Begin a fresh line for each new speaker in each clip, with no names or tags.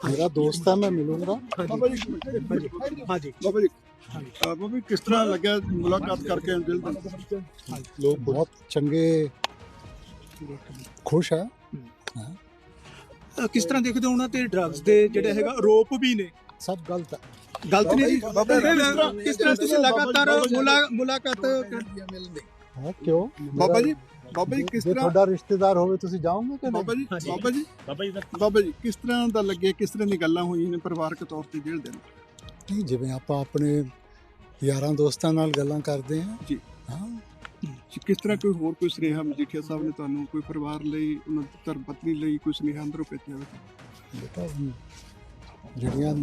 मेरा दोस्त है, मैं मिलूंगा।
ਬਾਬਾ ਜੀ
ਹਾਂਜੀ
ਬਾਬਾ ਜੀ ਬਾਬਾ ਜੀ ਕਿਸ ਤਰ੍ਹਾਂ ਲੱਗਿਆ ਮੁਲਾਕਾਤ ਕਰਕੇ ਦਿਲ ਦਾ
लोग बहुत चंगे, खुश है।
ਕਿਸ ਤਰ੍ਹਾਂ ਦੇਖਦੇ ਹੋ ਉਹਨਾਂ ਤੇ ਡਰੱਗਸ ਦੇ ਜਿਹੜੇ ਹੈਗਾ ਆਰੋਪ ਵੀ ਨੇ
सब गलत है।
ਗਲਤ ਨੇ ਜੀ
ਬਾਬਾ ਜੀ,
ਕਿਸ ਤਰ੍ਹਾਂ ਤੁਸੀਂ ਲਗਾਤਾਰ ਮੁਲਾਕਾਤ
हाँ, क्यों?
ਬਾਬਾ ਜੀ ਕਿਸ
ਜੇ
ਤਰ੍ਹਾਂ
ਤੁਹਾਡਾ ਰਿਸ਼ਤੇਦਾਰ ਹੋਵੇ ਤੁਸੀਂ ਜਾਓਗੇ ਕਿ ਨਹੀਂ?
ਬਾਬਾ ਜੀ ਬਾਬਾ ਜੀ ਕਿਸ ਤਰ੍ਹਾਂ ਦਾ ਲੱਗਿਆ, ਕਿਸ ਤਰ੍ਹਾਂ ਦੀ ਗੱਲਾਂ ਹੋਈਆਂ ਨੇ ਪਰਿਵਾਰਕ ਤੌਰ ਤੇ ਜੇਲ੍ਹ ਦੇ ਅੰਦਰ?
ਨਹੀਂ, ਜਿਵੇਂ ਆਪਾਂ ਆਪਣੇ ਯਾਰਾਂ ਦੋਸਤਾਂ ਨਾਲ ਗੱਲਾਂ ਕਰਦੇ ਹਾਂ।
ਜੀ।
ਹਾਂ,
ਕਿਸ ਤਰ੍ਹਾਂ ਕੋਈ ਹੋਰ ਕੋਈ ਸੁਨੇਹਾ ਮਜੀਠੀਆ ਸਾਹਿਬ ਨੇ ਤੁਹਾਨੂੰ ਕੋਈ ਪਰਿਵਾਰ ਲਈ, ਉਹਨਾਂ ਦੀ ਧਰਮ ਪਤਨੀ ਲਈ ਕੋਈ ਸੁਨੇਹਾ ਅੰਦਰੋਂ ਭੇਜਿਆ ਹੋਵੇ?
ਬੇਟਾ ਜਿਹੜੀਆਂ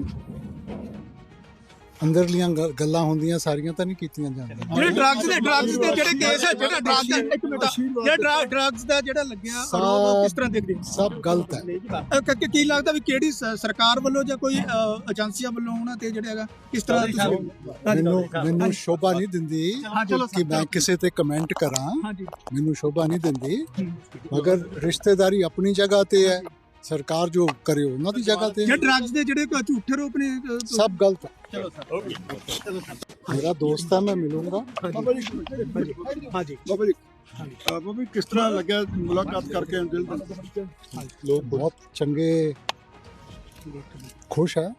ਅੰਦਰਲੀਆਂ ਗੱਲਾਂ ਹੁੰਦੀਆਂ ਸਾਰੀਆਂ ਤਾਂ ਨਹੀਂ ਕੀਤੀਆਂ ਜਾਂਦੀਆਂ।
ਜਿਹੜੇ ਡਰੱਗਸ ਦੇ ਜਿਹੜੇ ਕੇਸ ਹੈ, ਜਿਹੜਾ ਡਰੱਗ ਦਾ ਇੱਕ ਮਿੰਟ ਜਿਹੜਾ ਡਰੱਗਸ ਦਾ ਜਿਹੜਾ ਲੱਗਿਆ ਆਰੋਪ ਕਿਸ ਤਰ੍ਹਾਂ ਦੇਖਦੇ ਹੋ?
ਸਭ ਗਲਤ ਹੈ।
ਕੀ ਲੱਗਦਾ ਵੀ ਕਿਹੜੀ ਸਰਕਾਰ ਵੱਲੋਂ ਜਾਂ ਕੋਈ ਏਜੰਸੀਆਂ ਵੱਲੋਂ ਉਹਨਾਂ ਤੇ ਜਿਹੜਾ ਹੈਗਾ ਕਿਸ ਤਰ੍ਹਾਂ
ਮੈਨੂੰ ਸ਼ੋਭਾ ਨਹੀਂ ਦਿੰਦੀ ਕਿ ਮੈਂ ਕਿਸੇ ਤੇ ਕਮੈਂਟ ਕਰਾਂ।
ਹਾਂਜੀ
ਮੈਨੂੰ ਸ਼ੋਭਾ ਨਹੀਂ ਦਿੰਦੀ, ਮਗਰ ਰਿਸ਼ਤੇਦਾਰੀ ਆਪਣੀ ਜਗ੍ਹਾ ਤੇ ਹੈ, ਸਰਕਾਰ ਜੋ ਕਰੇ ਉਹਨਾਂ ਦੀ ਜਗ੍ਹਾ ਤੇ।
ਜੇ ਡਰੱਗਸ ਦੇ ਜਿਹੜੇ ਝੂਠੇ ਆਰੋਪ ਨੇ
ਸਭ ਗਲਤ ਹੈ।
ਚਲੋ ਸਰ
ਮੇਰਾ ਦੋਸਤ ਹੈ, ਮੈਂ ਮਿਲੂੰਗਾ।
ਬਾਬਾ ਜੀ
ਹਾਂਜੀ
ਬਾਬਾ ਜੀ ਬਾਬਾ ਜੀ ਕਿਸ ਤਰ੍ਹਾਂ ਲੱਗਿਆ ਮੁਲਾਕਾਤ ਕਰਕੇ ਦਿਲ ਦਾ
ਲੋਕ ਬਹੁਤ ਚੰਗੇ, ਖੁਸ਼ ਹੈ।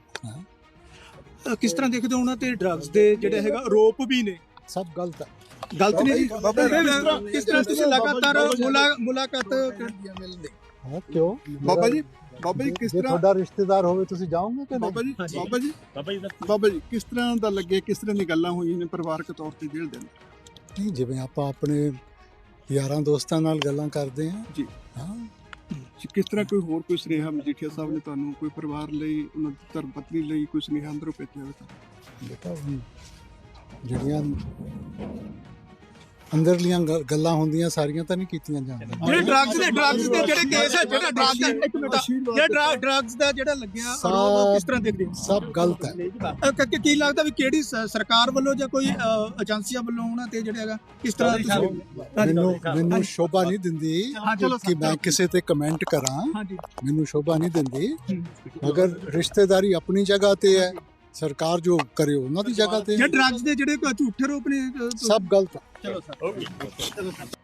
ਕਿਸ ਤਰ੍ਹਾਂ ਦੇਖਦੇ ਹੋ ਉਹਨਾਂ ਤੇ ਡਰੱਗਸ ਦੇ ਜਿਹੜੇ ਹੈਗਾ ਆਰੋਪ ਵੀ ਨੇ
ਸਭ ਗਲਤ ਹੈ।
ਗਲਤ ਨੇ ਜੀ
ਬਾਬਾ ਜੀ,
ਕਿਸ ਤਰ੍ਹਾਂ ਤੁਸੀਂ ਲਗਾਤਾਰ ਮੁਲਾਕਾਤ
ਹਾਂ, ਕਿਉਂ?
ਬਾਬਾ ਜੀ ਕਿਸ
ਜੇ
ਤਰ੍ਹਾਂ
ਤੁਹਾਡਾ ਰਿਸ਼ਤੇਦਾਰ ਹੋਵੇ ਤੁਸੀਂ ਜਾਓਗੇ ਕਿ ਨਹੀਂ?
ਬਾਬਾ ਜੀ ਕਿਸ ਤਰ੍ਹਾਂ ਦਾ ਲੱਗਿਆ, ਕਿਸ ਤਰ੍ਹਾਂ ਦੀ ਗੱਲਾਂ ਹੋਈਆਂ ਨੇ ਪਰਿਵਾਰਕ ਤੌਰ ਤੇ ਜੇਲ੍ਹ ਦੇ ਅੰਦਰ?
ਨਹੀਂ, ਜਿਵੇਂ ਆਪਾਂ ਆਪਣੇ ਯਾਰਾਂ ਦੋਸਤਾਂ ਨਾਲ ਗੱਲਾਂ ਕਰਦੇ ਹਾਂ।
ਜੀ।
ਹਾਂ,
ਕਿਸ ਤਰ੍ਹਾਂ ਕੋਈ ਹੋਰ ਕੋਈ ਸੁਨੇਹਾ ਮਜੀਠੀਆ ਸਾਹਿਬ ਨੇ ਤੁਹਾਨੂੰ ਕੋਈ ਪਰਿਵਾਰ ਲਈ, ਉਹਨਾਂ ਦੀ ਧਰਮ ਪਤਨੀ ਲਈ ਕੋਈ ਸੁਨੇਹਾ ਅੰਦਰੋਂ ਭੇਜਿਆ ਹੋਵੇ?
ਬੇਟਾ ਜਿਹੜੀਆਂ ਅੰਦਰਲੀਆਂ ਗੱਲਾਂ ਹੁੰਦੀਆਂ ਸਾਰੀਆਂ ਤਾਂ ਨਹੀਂ ਕੀਤੀਆਂ ਜਾਂਦੀਆਂ।
ਜਿਹੜੇ ਡਰੱਗਸ ਦੇ ਜਿਹੜੇ ਕੇਸ ਹੈ, ਜਿਹੜਾ ਡਰੱਗ ਦਾ ਇੱਕ ਮਿੰਟ ਜਿਹੜਾ ਡਰੱਗਸ ਦਾ ਜਿਹੜਾ ਲੱਗਿਆ ਆਰੋਪ ਕਿਸ ਤਰ੍ਹਾਂ ਦੇਖਦੇ ਹੋ?
ਸਭ ਗਲਤ ਹੈ।
ਕੀ ਲੱਗਦਾ ਵੀ ਕਿਹੜੀ ਸਰਕਾਰ ਵੱਲੋਂ ਜਾਂ ਕੋਈ ਏਜੰਸੀਆਂ ਵੱਲੋਂ ਉਹਨਾਂ ਤੇ ਜਿਹੜਾ ਹੈਗਾ ਕਿਸ ਤਰ੍ਹਾਂ
ਮੈਨੂੰ ਸ਼ੋਭਾ ਨਹੀਂ ਦਿੰਦੀ ਕਿ ਮੈਂ ਕਿਸੇ ਤੇ ਕਮੈਂਟ ਕਰਾਂ।
ਹਾਂਜੀ
ਮੈਨੂੰ ਸ਼ੋਭਾ ਨਹੀਂ ਦਿੰਦੀ, ਮਗਰ ਰਿਸ਼ਤੇਦਾਰੀ ਆਪਣੀ ਜਗ੍ਹਾ ਤੇ ਹੈ, ਸਰਕਾਰ ਜੋ ਕਰੇ ਉਹਨਾਂ ਦੀ ਜਗ੍ਹਾ ਤੇ।
ਜੇ ਡਰੱਗਸ ਦੇ ਜਿਹੜੇ ਝੂਠੇ ਆਰੋਪ ਨੇ
ਸਭ ਗਲਤ ਹੈ।
ਚਲੋ ਸਰ